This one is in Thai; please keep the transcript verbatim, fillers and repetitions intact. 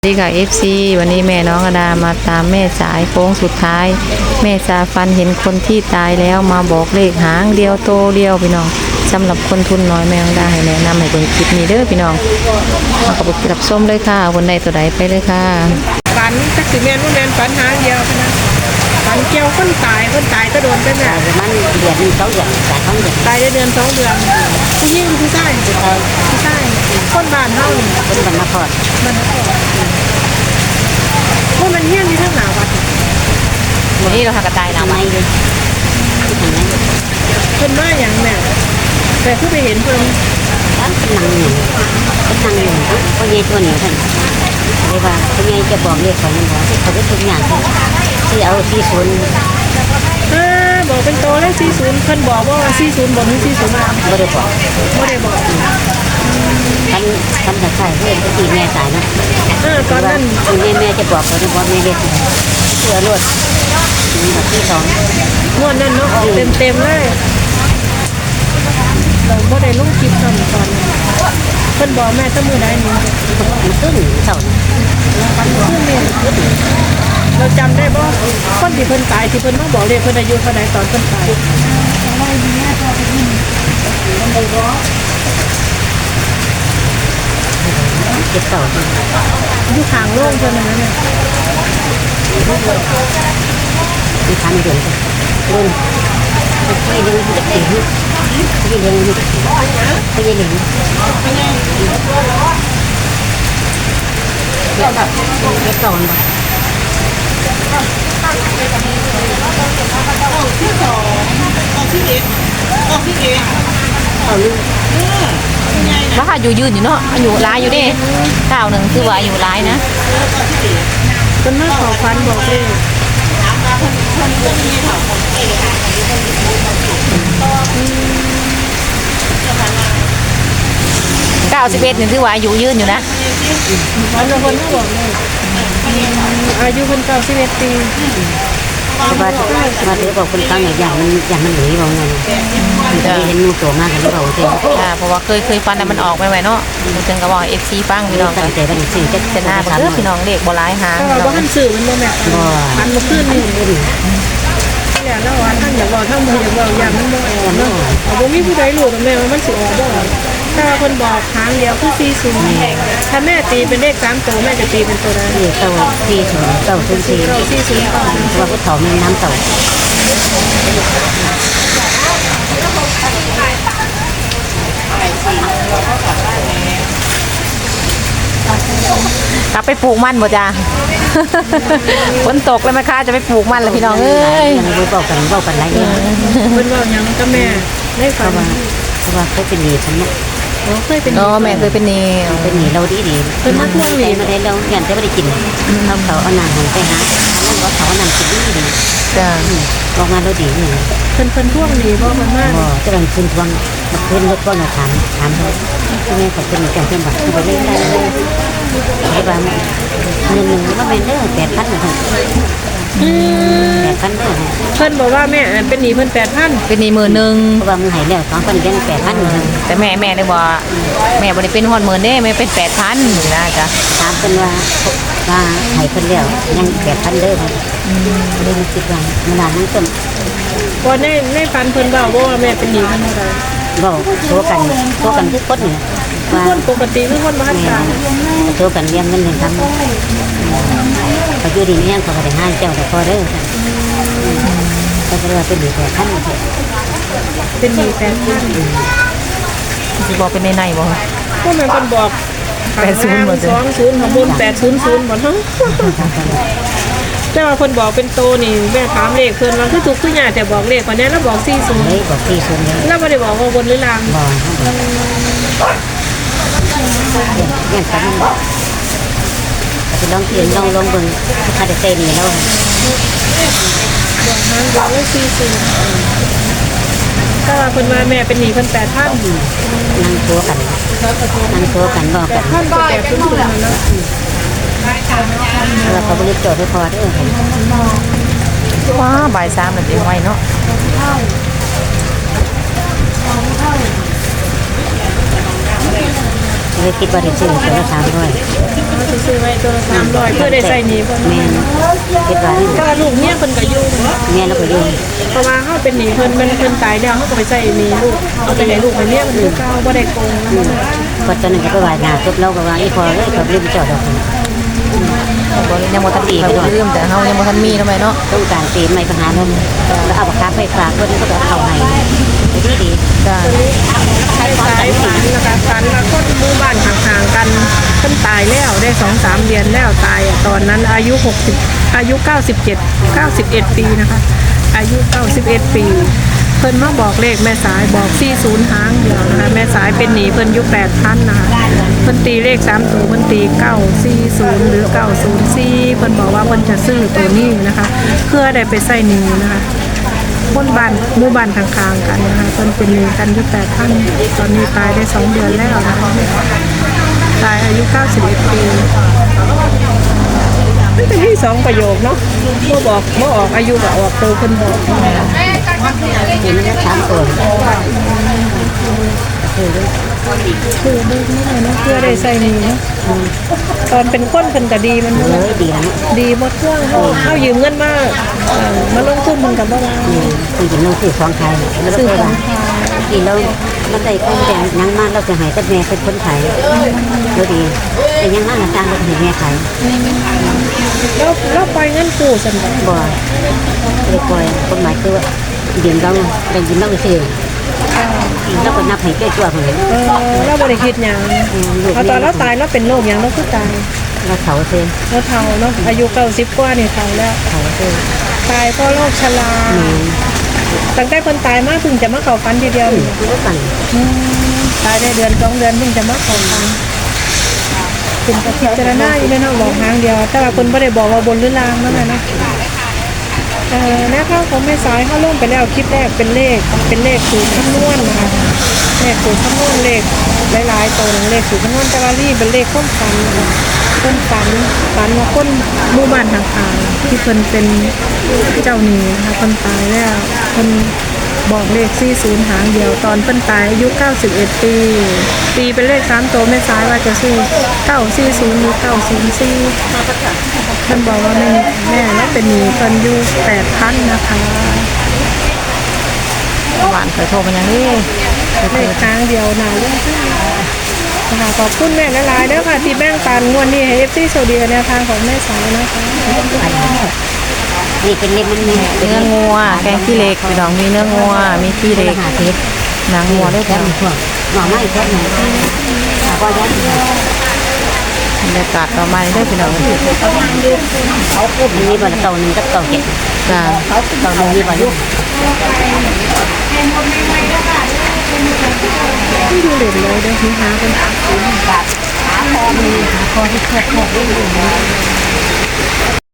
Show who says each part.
Speaker 1: ดีค่ะ เอฟ ซี วันนี้แม่น้องอดามาตามแม่สายโค้งสุดท้ายแม่สาฟันเห็นคนที่ตายแล้วมาบอกเลขหางเดียวโตเดียวพี่น้องสำหรับคนทุนน้อยแม่น้องอดาให้แนะนำให้เบิ่งคลิปนี้เด้อพี่น้องมากับรับส้มเลยค่ะวันใดตัวใดไปเลยค่ะ
Speaker 2: ฝันจักสิแม่นว่าแม่นฝันหางเดียวนะฝันเกี่ยวคนตายคนตายก็โดนไปแม่
Speaker 3: มันเดือนหนึ่งสองเดือนตายสองเดือน
Speaker 2: ตายได้เดือนสองเดือนผู้หญิงผู้ชายผู้ชายคนบ้านเฮานี่
Speaker 3: คนบรรณพอด
Speaker 2: มันว่ามันเฮี้ยนที่ทั้งหนาวัด
Speaker 1: วันนี้เราหากระต่ายนะ
Speaker 3: ทำไมเลย
Speaker 2: เพิ่นว่าอย่างแม่แต่คือไปเห็นเพิ่น
Speaker 3: ตั้งเป็นนางหนึ่งเป็นนางหนึ่งคนใหญ่ตัวเหนียวท่านเรียกว่าคนใหญ่จะบอกเรียกของมันบอกเขาได้ทุกอย่างที่เอาที่ศูนย์
Speaker 2: อ่าบอกเป็นโตแล้วสี่สิบเพิ่นบอกว่าสี่สิบบ่ถึงสี่สิบมา
Speaker 3: ไม่ได้บอก
Speaker 2: บ่ได้บอก
Speaker 3: ท่านท่านจะใส่เพื่อนที่แม่ตายนะ
Speaker 2: เออตอนนั้น
Speaker 3: คุณแม่แม่จะบอกเขาจะบอกแม่เรียกเชื่อรวดแบบที่สอง
Speaker 2: งวดนั้นเนาะออกเต็มๆเลยเราบ่ได้ลงคลิปตอนตอนเพิ่นบอกแม่ตั้งมือใดนี่
Speaker 3: มันขึ้นเสา
Speaker 2: มันขึ้นเนี่ยเราจำได้บ่คนที่เพิ่นตายที่เพิ่นมาบอกเลยเพิ่นอายุเท่าใดตอนเพิ่นตาย
Speaker 3: เจ็บเสา
Speaker 2: อยู่ข้างโรงเพิ่นนั่นน่ะ
Speaker 3: มีพันเดือนรุ่นไม่เลี้ยงเด็กเด็กไม่เลี้ยงเด็กไม่เลี้ยงเด็กแบบเด็กก่อนบ่
Speaker 2: ที่สองออกที่เอ็ดออกที่เอ็ด
Speaker 3: เอาลูก
Speaker 1: ว่าค่ะอยู่ยืนอยู่เนาะอยู่ร้ายอยู่ดิเก้าหนึ่งคือว่าอยู่ร้ายนะ
Speaker 2: เป็นมาขอฟันบอกเลย
Speaker 1: เก้าสิบเอ็ดนี่คือว่าอยู่ยืนอยู่นะ
Speaker 2: วันละคนก็บอกเลยอายุคนเก้าสิบเอ็ดปี
Speaker 3: ว่าว่าเดี๋ยวบอกคนฟังอย่างมันอย่างมันหนีบอกไงจะเห็นงูตัวมากกันหรือเปล่าเจ๊
Speaker 1: เพราะว่าเคยเคยฟันแต่มันออกไปไหมเนาะจึงก็บอกเอฟซีฟังพี่น้อง
Speaker 3: ตั้งใจเป็นสิ่งจะ
Speaker 1: จะน่าเบื่อพี่น้องเด็กโบราณหาง
Speaker 2: ก็ว่าท่านสื่อมันโมแม่มันมาขึ้นนี่อย่างนั้นว่าท่านอยากบอกท่านมืออยากบอกอย่างนั้นบอกเนาะเอาบ่มีผู้ใดรู้แม่ว่ามันสิออกบ่ถ้าคนบอกหางเดียวคือสี่ศูนย์ถ้าแม่ตีเป็นเลขสามตัวแม่จะตีเป็นตัวใด
Speaker 3: เต่าสี่ศูนย์เต่าศูนย์สี่
Speaker 2: เต่าสี่ศูนย์
Speaker 3: ว่าผู้เฒ่าแม่น้ำเต่า
Speaker 1: กลับไปปลูกมันบ่จ้าฝนตกแล้วแม่ค้าจะไปปลูกมันแล้วพี่น้องเอ้ย
Speaker 3: รู้บอกกันบอกกันไรเงี้ย
Speaker 2: เพิ่นบอกยังก็แม่ได้ฟัง
Speaker 3: ว่าเพราะว่าเคยเป็นหนี้ฉันเนี่ย
Speaker 2: โอ้เคยเป็น
Speaker 1: อ๋อแม่เคยเป็นหนี้
Speaker 3: เป็นหนี้เราดีดี
Speaker 2: เป็นมาทวงหนี้
Speaker 3: มาได้เราเงินจะไม่ได้กินเขาเขาเอานางหันไปหานั่นว่าเขาเอานางกินดีดี
Speaker 1: จ้า
Speaker 3: ออกมาเราดีนี่
Speaker 2: เพิ่นเพิ่นทวงหนี้บ่มันมาก
Speaker 3: บ่จะเป็นคืนทวงคืนรถก็มาถามถามเขาที่แม่เขาเป็นจังเป็นแบบเขาไปเล่นได้เลยที่บ้านเงินหนึ่งก็เป็นเด้อแปดพันนะแปดพันเด้อ
Speaker 2: เพิ่นบอกว่าแม่เป็นหนี้เพิ่นแปดพัน
Speaker 1: เป็นหนี้หมื่นหนึ่ง
Speaker 3: เพราะว่ามึงหายแล้วสองคนยังแปดพัน
Speaker 1: แต่แม่แม่เลยว่าแม่บ่ได้เป็นฮอดหมื่นเด้แม่เป็นแปดพันนะจ๊ะ
Speaker 3: ถามเพิ่นว่าว่าหายเพิ่นแล้วยังแปดพันเด้อเรื่องคิดว่ามันนานนั่งต้น
Speaker 2: ก่อนในในฝันเพิ่นเว้าว่าแม่เป็นหนี้เพิ่นเท่าใด
Speaker 3: บอกโทรกันโทรกันทุกคนเนี่ย
Speaker 2: ว่าคนปกติคือคนบ้านตาย
Speaker 3: โทรกันเรียนเงินเดือนทำเขาอยู่ดีเนี่ยเขาก็ได้ห้าเจ้าแต่พอเด้อก็จะเรียกเป็นหนี้แปดพัน
Speaker 2: เป็นหนี้แปดพัน
Speaker 1: สิบอกเป็นในในบ่
Speaker 2: ก็แม่เพิ่นบอกแปดศูนย์บ่สองศูนย์ข้างบนแปดศูนย์ศูนย์บ่เนาะแต่ว่าเพิ่นบอกเป็นโตนี่แม่ถามเลขเพิ่นว่าคือถูกคือยากแต่บอกเลขกว่านี้แล้วบอกสี่ศูนย์
Speaker 3: เฮ้ยบอกสี่ศูนย์เลย
Speaker 2: แล้วบ่ได้บอกว่าบนหรือล่าง
Speaker 3: บอกอย่างนั้นจะลองเขียนลองลองเบิ่งคาเดเต้นี่แล้ว
Speaker 2: บอกหางบอกว่าสี่ศูนย์ถ้าว่าเพิ่นว่าแม่เป็นหนี้เพิ่นแปดพัน
Speaker 3: นั่งตัวกันนั่งตัวกันบอกกัน
Speaker 2: แปดพันก็แปดศูนย์ศูนย์แล้ว
Speaker 3: แล้วเขาบริจาคให้พอเด้อ
Speaker 1: ว้าบ่ายสามนาทีไวเนาะ
Speaker 3: เลยคิดว่าจะซื้อตัวละสามร้อย
Speaker 2: เขาสิซื้อไว้ตัวละสามร้อยเพื่อได้ใส่หนี้เพิ่น
Speaker 3: แม่นคิดว่านี่
Speaker 2: ก็ลูกเมียเพิ่นก็อยู่เนาะ
Speaker 3: แม่เราก็อยู่
Speaker 2: เพราะว่าเฮาเป็นหนี้เพิ่นเพิ่นเพิ่นตายแล้วเฮาก็ไปใส่หนี้ลูกเอาไปให้ลูกให้เมียมันคือเก่าบ่ได้โกงนะ
Speaker 3: ก็ตอนนั้นก็ไปไหว้หน้าตุ๊บเราก็ว่าอีพอเลยก็ลืมเจ้าดอก
Speaker 1: บ่ยังบ่ทันตีเขาลืมแต่เฮายังบ่ทันมีเนาะแม่เนาะ
Speaker 3: ต้องการตีใหม่ปัญหานั้นแล้วเอาปากกาไปฝากคนก็เอาเข้าให้ดีดี
Speaker 1: จ้า
Speaker 2: สายฝันนะคะฝันว่าคนหมู่บ้านห่างๆกันเพิ่นตายแล้วได้ สองสาม เดือนแล้วตายอะตอนนั้นอายุหกสิบอายุเก้าสิบเจ็ด เก้าสิบเอ็ดปีนะคะอายุเก้าสิบเอ็ดปี เพิ่นมาบอกเลขแม่สายบอกสี่สิบหางเดียวนะคะแม่สายเป็นหนี้เพิ่นอยู่แปดพันนะคะเพิ่นตีเลขสามตัวเพิ่นตีเก้าสี่ศูนย์หรือเก้าศูนย์สี่เพิ่นบอกว่าเพิ่นจะซื้อตัวนี้นะคะเพื่อได้ไปใส่หนี้นะคะคนบ้านหมู่บ้านข้างๆกันนะคะเพิ่นเป็นหนี้กันอยู่แปดพันตอนนี้ตายได้สองเดือนแล้วนะคะตายอายุเก้าสิบเอ็ดปีมันเป็นที่สองประโยคเนาะเมื่อบอกเมื่อออกอายุก็ออกตัวเพิ่นบอก
Speaker 3: เห็นแล้วสามตัวคือ
Speaker 2: คือเบิกไม่ได้เนาะเพื่อได้ใส่หนี้เนาะตอนเป็นคนเพิ่นก็ดีมัน
Speaker 3: เล
Speaker 2: เนาะ
Speaker 3: ยดีแล้ว
Speaker 2: ดีหมดเครื่องเฮาเฮายืมเงินมาเอ่อมาลงทุนมันก็บ่ว่า
Speaker 3: คือกินน้องซื้อสองไข่แล้ว
Speaker 2: ซื้อ
Speaker 3: ก็
Speaker 2: ของ
Speaker 3: กินแล้วมันได้คนแต่ยังมาเราจะหายแต่แม่เป็นคนขายก็ดีแต่ยังมาสร้างเราเห็นแม่ขาย
Speaker 2: แล้วแล้วปล่อยเงินกู้ซั่นบ่
Speaker 3: บ่เลยปล่อยคนหมายคือว่าเดี๋ยวเราเรากินเราซื้อแล้วก็นับให้ด้วยตัวของเรา
Speaker 2: เออเราบ่ได้คิดหยังเอาตอนเราตายเราเป็นโรคหยังเราคือตาย
Speaker 3: เราเสาซื้อ
Speaker 2: เราเฒ่าเนาะอายุเก้าสิบกว่านี่เฒ่าแล้ว
Speaker 3: เสาซื้อ
Speaker 2: ตายเพราะโรคชราตั้งแต่คนตายมาเพิ่งจะมาเข้าฝันทีเดียวนี่
Speaker 3: คือว่ากัน
Speaker 2: อืมตายได้เดือนสองเดือนเพิ่งจะมาเข้าฝันคุณก็พิจารณาอยู่ในเนาะบอกหางเดียว แต่ว่าคนไม่ได้บอกว่าบนหรือล่างนั่นแหละเนาะเอ่อแนวข้างของแม่สายเขาลงไปแล้วคลิปแรกเป็นเลขเป็นเลขสูตรคำนวณนะคะเลขสูตรคำนวณเลขหลายๆตัวหนึ่งเลขสูตรคำนวณแต่ว่ารีเป็นเลขข้นฝันนะคะข้นฝันฝันว่าคนหมู่บ้านห่างๆที่เพิ่นเป็นเจ้าหนี้นะคะคนตายแล้วเพิ่นบอกเลขสี่สิบหางเดียวตอนเพิ่นตายอายุเก้าสิบเอ็ดปีตีเป็นเลขสามตัวแม่สายว่าจะซื้อเก้าสี่ศูนย์หรือเก้าศูนย์สี่เพิ่นบอกว่าแม่แม่แล้วเป็นหนี้เพิ่นอยู่แปดพันนะคะ
Speaker 1: หวานเคยโทรมาอย่างนี้
Speaker 2: เลขทางเดียวนาเรื่องที่นะคะขอบคุณแม่หลายๆเด้อค่ะที่แบ่งปันงวดนี้ให้ เอฟ ซี โซเดียแนวทางของแม่สายนะคะ
Speaker 3: นี่เป็นเล็บมันนี่เป็น
Speaker 1: เนื้อ
Speaker 3: เล็บ
Speaker 1: งัวแกงขี้เหล็กพี่น้องมีเนื้องัวมีขี้เหล็ก
Speaker 3: หาทิพย์
Speaker 1: หนังงัวด้วย
Speaker 3: แล้
Speaker 1: จ้ะ
Speaker 3: วมีพวกหน่อไม้แค่ไหนก็ยัด
Speaker 1: บรรยากาศต่อมาได้อพี่น้อง
Speaker 3: เขาพูดมีบ่เต่าหนึ่งกับเต่าเจ็ด
Speaker 1: จ้า
Speaker 3: เต่าหนึ่งมีบ่ลูก
Speaker 2: ที่ดูเหรียญเลยเด้อนี่หากัน
Speaker 3: ขาคอมีขาคอที่เคลือบแคบ